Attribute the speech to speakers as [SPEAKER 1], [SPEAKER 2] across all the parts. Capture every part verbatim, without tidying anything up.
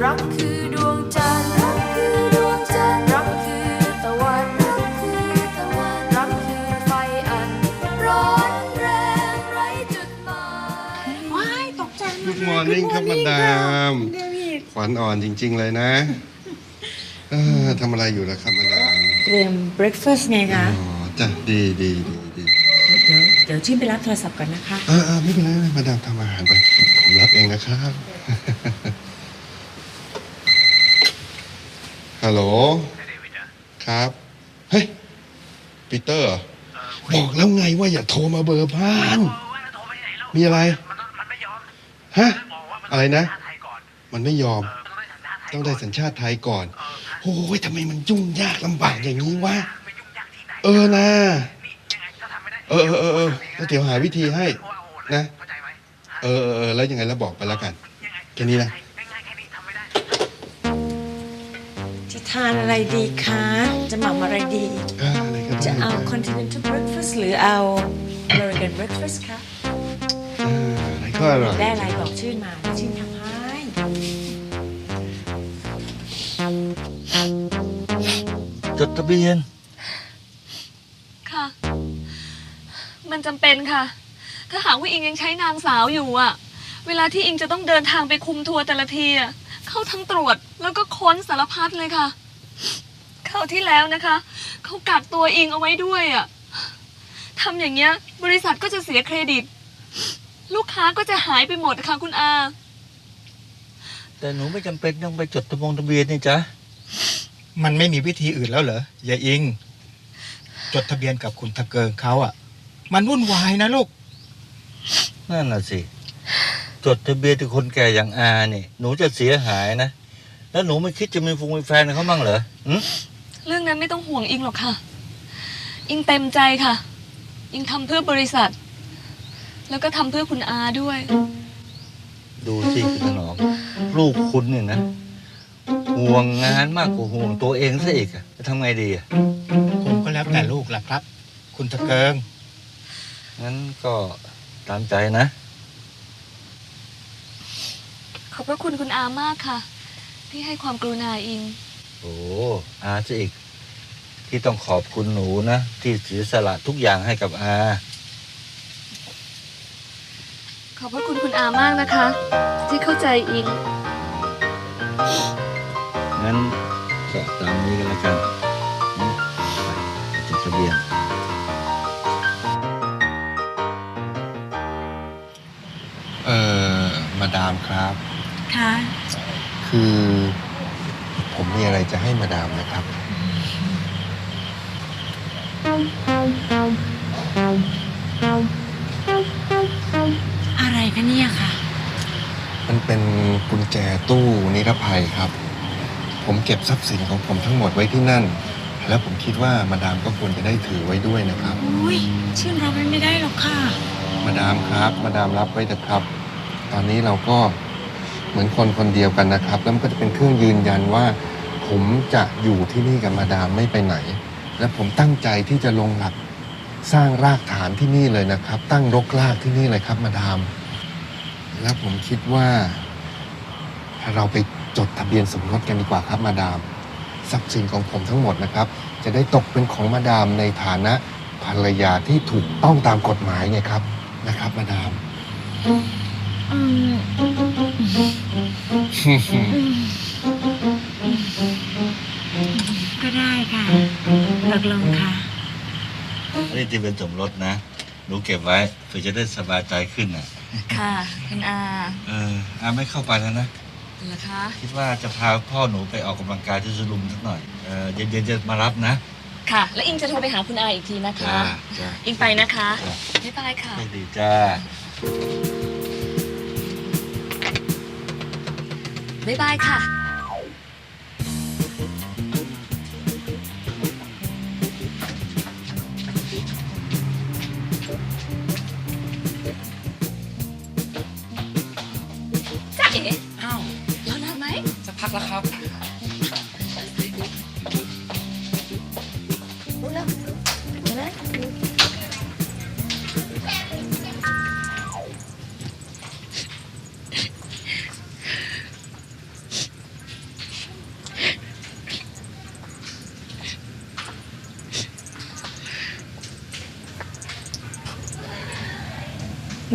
[SPEAKER 1] รักคือดวงจันทร์รักคือดวงจันทร์รักคือตะวันรักคือตะวันรักคือไฟอันร้อนแรงไร้จุดหมาย
[SPEAKER 2] ว้ายตกใจ
[SPEAKER 3] Good morning ครับมาดามขวัญอ่อนจริงๆเลยนะเออทำอะไรอยู่ล่ะครับมาดาม
[SPEAKER 2] เตรียมเบรคฟาสต์ไงคะ
[SPEAKER 3] อ๋อจ้ะดีดีดีดี
[SPEAKER 2] เดี๋ยวเดี๋ยวชิมไปรับโทรศัพท์ก่อนนะคะ
[SPEAKER 3] เออเออไม่เป็นไรมาดามทำอาหารไปผมรับเองนะครับฮัลโหลครับเฮ้ยปีเตอร์บอกแล้วไงว่าอย่าโทรมาเบอร์บ้านมีอะไรฮะอะไรนะมันไม่ยอมต้องได้สัญชาติไทยก่อนโอ้ยทำไมมันยุ่งยากลำบากอย่างนี้วะเออนะเออเออเออเออแล้วเดี๋ยวหาวิธีให้นะเออเออแล้วยังไงแล้วบอกไปแล้วกันแค่นี้นะ
[SPEAKER 2] จะทานอะไรดีคะจะหม่ำอะไรดี
[SPEAKER 3] อะไรก็ได้
[SPEAKER 2] จะเอา continental breakfast หรือเอา American breakfast คะ
[SPEAKER 3] อะไรก็อร่อย
[SPEAKER 2] ได้อะไรบอกชื่อมาชื่อทำให้
[SPEAKER 4] จดทะเบียน
[SPEAKER 5] ค่ะมันจำเป็นค่ะถ้าหากว่าอิงยังใช้นางสาวอยู่อะเวลาที่อิงจะต้องเดินทางไปคุมทัวร์แต่ละทีอะเข้าทั้งตรวจแล้วก็ค้นสารพัดเลยค่ะเข้าที่แล้วนะคะเขากักตัวอิงเอาไว้ด้วยอะทำอย่างเงี้ยบริษัทก็จะเสียเครดิตลูกค้าก็จะหายไปหมดค่ะคุณอา
[SPEAKER 4] แต่หนูไม่จำเป็นต้องไปจดทะบงทะเบียนนี่จ๊ะ
[SPEAKER 6] มันไม่มีวิธีอื่นแล้วเหรอยายอิงจดทะเบียนกับคุณทะเกิงเขาอ่ะมันวุ่นวายนะลูก
[SPEAKER 4] นั่นน่ะสิจดทะเบียนที่คนแก่อย่างอาเนี่ยหนูจะเสียหายนะแล้วหนูไม่คิดจะมีฟงมีแฟนเขาบ้างเหรอ
[SPEAKER 5] เรื่องนั้นไม่ต้องห่วงอิงหรอกค่ะอิงเต็มใจค่ะอิงทำเพื่อบริษัทแล้วก็ทำเพื่อคุณอาด้วย
[SPEAKER 4] ดูสิคุณถนอมลูกคุณเนี่ยนะห่วงงานมากกว่าห่วงตัวเองซะอีกอะจะทำไงดีอะ
[SPEAKER 6] ผมก็แล้วแต่ลูกแหละครับคุณทะเกิง
[SPEAKER 4] งั้นก็ตามใจนะ
[SPEAKER 5] ขอบพระคุณคุณอามากค่ะที่ให้ความกรุณาอิง
[SPEAKER 4] โอ้อาซะอีกที่ต้องขอบคุณหนูนะที่เสียสละทุกอย่างให้กับอา
[SPEAKER 5] ขอบพระคุณคุณอามากนะคะที่เข้าใจอิง
[SPEAKER 4] งั้นก็ตามนี้กันแล้วกันไปจดทะเบียน
[SPEAKER 3] เอ่อมาดามครับ
[SPEAKER 2] ค่ะ
[SPEAKER 3] คือผมมีอะไรจะให้มาดามนะครับ
[SPEAKER 2] อะไรคะเนี่ยค่ะ
[SPEAKER 3] มันเป็นกุญแจตู้นิรภัยครับผมเก็บทรัพย์สินของผมทั้งหมดไว้ที่นั่นแล้วผมคิดว่ามาดามก็ควรจะได้ถือไว้ด้วยนะครับ
[SPEAKER 2] อุ้ยชื่อเราไม่ได้หรอกค่ะ
[SPEAKER 3] มาดามครับมาดามรับไว้เถอะครับตอนนี้เราก็เหมือนคนคนเดียวกันนะครับแล้วมันก็จะเป็นเครื่องยืนยันว่าผมจะอยู่ที่นี่กับมาดามไม่ไปไหนและผมตั้งใจที่จะลงหลักสร้างรากฐานที่นี่เลยนะครับตั้งรกรากที่นี่เลยครับมาดามแล้วผมคิดว่าเราไปจดทะเบียนสมรสกันดีกว่าครับมาดามทรัพย์สินของผมทั้งหมดนะครับจะได้ตกเป็นของมาดามในฐานะภรรยาที่ถูกต้องตามกฎหมายไงครับนะครับมาดาม
[SPEAKER 2] ก็ได้ค่ะตกลงค่ะ
[SPEAKER 4] นี่จะเป็นสมรสนะหนูเก็บไว้เพื่อจะได้สบายใจขึ้นน่ะ
[SPEAKER 5] ค่ะคุณอา
[SPEAKER 4] เอออาไม่เข้าไปแล้วนะ
[SPEAKER 5] เหรอคะ
[SPEAKER 4] คิดว่าจะพาพ่อหนูไปออกกำลังกายที่สลุมสักหน่อยเออเย็นๆจะมารับนะ
[SPEAKER 5] ค่ะแล้วอิงจะโทรไปหาคุณอาอีกทีนะคะอิงไปนะคะบ๊ายบายค่ะ
[SPEAKER 4] ไม่ดีจ้า
[SPEAKER 5] บ๊ายบายค่ะจ้าเอ๋อ้าวรอนานไหม
[SPEAKER 6] จะพักแล้วครับ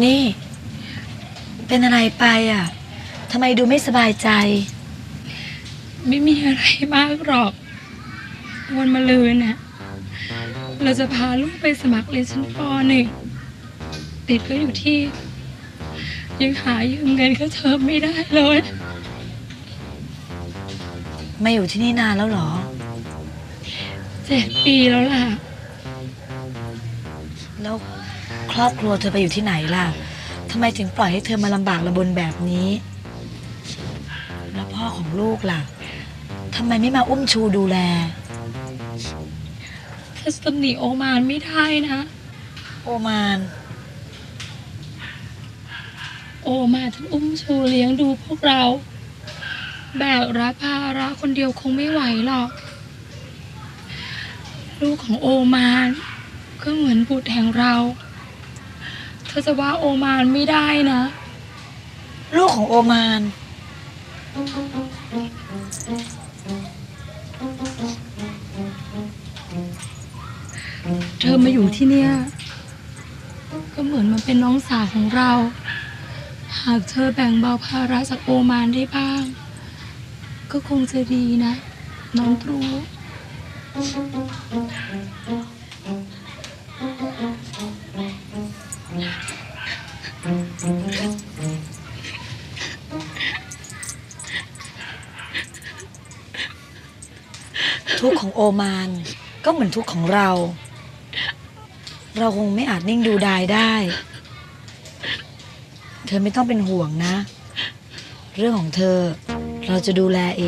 [SPEAKER 7] นี่ เป็นอะไรไปอ่ะทำไมดูไม่สบายใจ
[SPEAKER 8] ไม่มีอะไรมากหรอก วันมะรืนน่ะเราจะพาลูกไปสมัครเรียนชั้นปหนึ่งติดก็อยู่ที่ ยังหายืมเงินค่าเทอมไม่ได้เลย
[SPEAKER 7] มาอยู่ที่นี่นานแล้วเหรอ
[SPEAKER 8] เจ็ดปีแล้วล่ะ
[SPEAKER 7] แล้วครอบครัวเธอไปอยู่ที่ไหนล่ะทำไมถึงปล่อยให้เธอมาลำบากระบนแบบนี้ แล้วพ่อของลูกล่ะทำไมไม่มาอุ้มชูดูแล
[SPEAKER 8] ถ้าตำหนิโอมานไม่ได้นะ
[SPEAKER 7] โอมาน
[SPEAKER 8] โอมาทั้งอุ้มชูเลี้ยงดูพวกเรา แบกรับภาระคนเดียวคงไม่ไหวหรอก ลูกของโอมานก็เหมือนบุตรแห่งเราเธอจะว่าโอมานไม่ได้นะ
[SPEAKER 7] ลูกของโอมาน
[SPEAKER 8] เธอมาอยู่ที่เนี่ย ก็เหมือนมันเป็นน้องสาวของเรา หากเธอแบ่งเบาภาระจากโอมานได้บ้าง ก็คงจะดีนะ น้องตรู
[SPEAKER 7] ทุกข์ของโอมานก็เหมือนทุกข์ของเรา เราคงไม่อาจนิ่งดูดายได้ เธอไม่ต้องเป็นห่วงนะ เรื่องของเธอเราจะดูแลเอง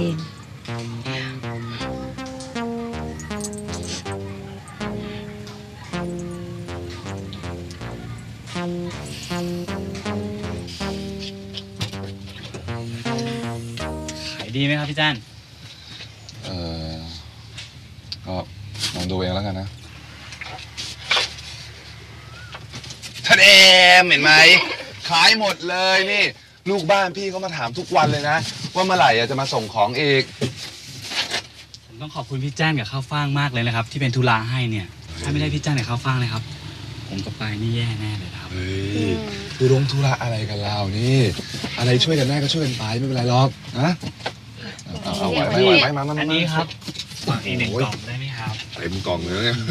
[SPEAKER 9] ขายดีไหมครับพี่จ้าน
[SPEAKER 10] เออก็ลองดูเองแล้วกันนะท่านเอมเห็นไหม ขายหมดเลยนี่ ลูกบ้านพี่เขามาถามทุกวันเลยนะ ว่าเมื่อไหร่อะจะมาส่งของอีก
[SPEAKER 9] ผมต้องขอบคุณพี่จ้านกับข้าวฟ่างมากเลยนะครับ ที่เป็นธุระให้เนี่ย ถ้าไม่ได้พี่จ้านกับข้าวฟ่างเลยครับ ผมกับปายนี่แย่แน่เลยครับ
[SPEAKER 10] เฮ้ยคือลงธุระอะไรกันเรานี่ อะไรช่วยกันได้ก็ช่วยกันไปไม่เป็นไรหรอกนะเอาเอาไหวไหมไหวไหมมามามา
[SPEAKER 9] อันนี้ครับฝากอีกหนึ่งกล่องได้ไหมครับ
[SPEAKER 10] เต็มกล่องเลยเนี่ย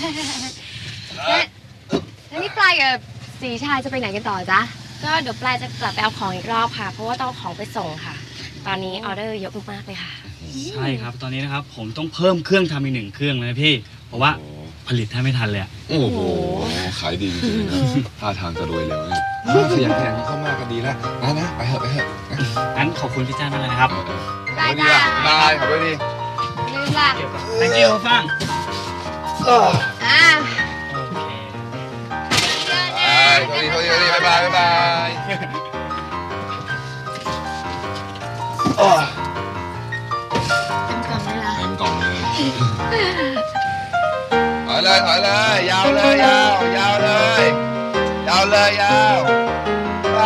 [SPEAKER 11] แล้วนี่ปลายกับสีชายจะไปไหนกันต่อจ๊ะ ก็เดี๋ยวปลายจะกลับไปเอาของอีกรอบค่ะ เพราะว่าต้องเอาของไปส่งค่ะ ตอนนี้ออเดอร์เยอะมากๆเลยค่ะ
[SPEAKER 9] ใช่ครับ ตอนนี้นะครับ ผมต้องเพิ่มเครื่องทำอีกหนึ่งเครื่องเลยนะพี่ เพราะว่าผลิตแทบไม่ทันเลยอะ
[SPEAKER 10] โอ้โห ขายดีจริงๆนะท่าทางจะรวยเร็วเนี่ยขยันขยันเข้ามากันดีแล้วนะนะไปเถอะไปเถอะ
[SPEAKER 9] งั้นขอบคุณพี่จ้านมากเลยนะครับ
[SPEAKER 11] ได้
[SPEAKER 10] ดี
[SPEAKER 11] จ้ะ
[SPEAKER 10] ละบายขอบคุณดี
[SPEAKER 11] ลืมล่ะ
[SPEAKER 9] thank you ข้าวฟ่าง
[SPEAKER 11] อ่า
[SPEAKER 9] โอเค
[SPEAKER 10] บายสวัสดีสวัสดีสวัสดีบายบายบายบายโอ้
[SPEAKER 11] เต็มกล่องเลยล่ะ
[SPEAKER 10] เต็มกล่องเลยถอยเลยถอยเลย ยาวเลยยาวยาวเลย ยาวเลยยาวไป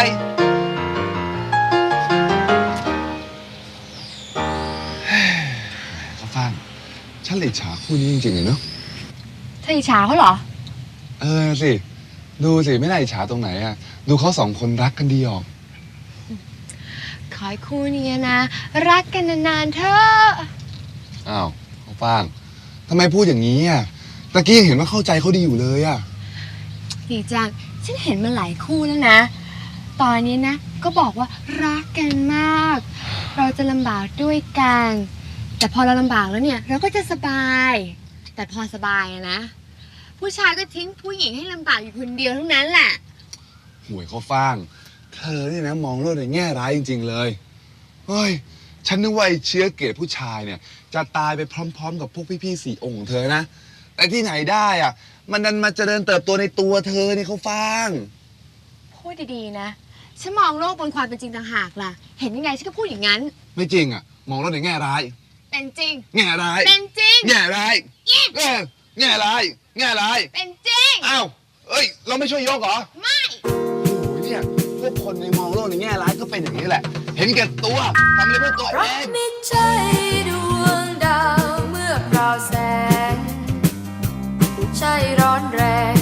[SPEAKER 10] ข้าวฟ่างฉันเลยฉาคู่นี้จริงๆเลยเนาะ
[SPEAKER 11] เธออิจฉาเขาเหรอ
[SPEAKER 10] เออสิ ดูสิ ไม่ได้อิจฉาตรงไหนอ่ะ ดูเขาสองคนรักกันดีออก
[SPEAKER 11] ขอให้คู่นี้นะ รักกันนานๆเถอะ
[SPEAKER 10] อ้าวข้าวฟ่างทำไมพูดอย่างนี้อ่ะตะกี้ยังเห็นว่าเข้าใจเขาดีอยู่เลยอ่ะ
[SPEAKER 11] ดีจัง ฉันเห็นมาหลายคู่แล้วนะ ตอนนี้นะ ก็บอกว่ารักกันมาก เราจะลำบากด้วยกัน แต่พอเราลำบากแล้วเนี่ย เราก็จะสบาย แต่พอสบายอะนะ ผู้ชายก็ทิ้งผู้หญิงให้ลำบากอยู่คนเดียวเท่านั้นแหละ
[SPEAKER 10] ห่วยข้าวฟ่าง เธอเนี่ยนะมองโลกในแง่ร้ายจริงๆเลย เฮ้ย ฉันนึกว่าไอ้เชื้อเกลียดผู้ชายเนี่ย จะตายไปพร้อมๆ กับพวกพี่ๆสี่องค์ของเธอนะ แต่ที่ไหนได้อ่ะ มันดันมาเจริญเติบโตในตัวเธอนี่ข้าวฟ่าง
[SPEAKER 11] พูดดีๆนะ ฉันมองโลกบนความเป็นจริงต่างหากล่ะ เห็นยังไงฉันก็พูดอย่างนั้น
[SPEAKER 10] ไม่จริงอ่ะ มองโลกในแง่ร้าย
[SPEAKER 11] เป็นจริง
[SPEAKER 10] แง่ร้าย
[SPEAKER 11] เป็นจริง
[SPEAKER 10] แง่ร้ายเออแง่ร้าย แง่ร้าย
[SPEAKER 11] เป็นจริง
[SPEAKER 10] อ้าว เอ้ย เราไม่ช่วยยกเหรอ
[SPEAKER 11] ไม่
[SPEAKER 10] โอ้ยเนี่ย พวกคนในมองโลกในแง่ร้ายก็เป็นอย่างนี้แหละ เห็นแก่ตัว ทำอะไรเพื่อตัวเอ
[SPEAKER 1] รัก
[SPEAKER 10] ง
[SPEAKER 1] ไม่ใช่ดวงดาวเมื่อพราวแสง ใช่ร้อนแรง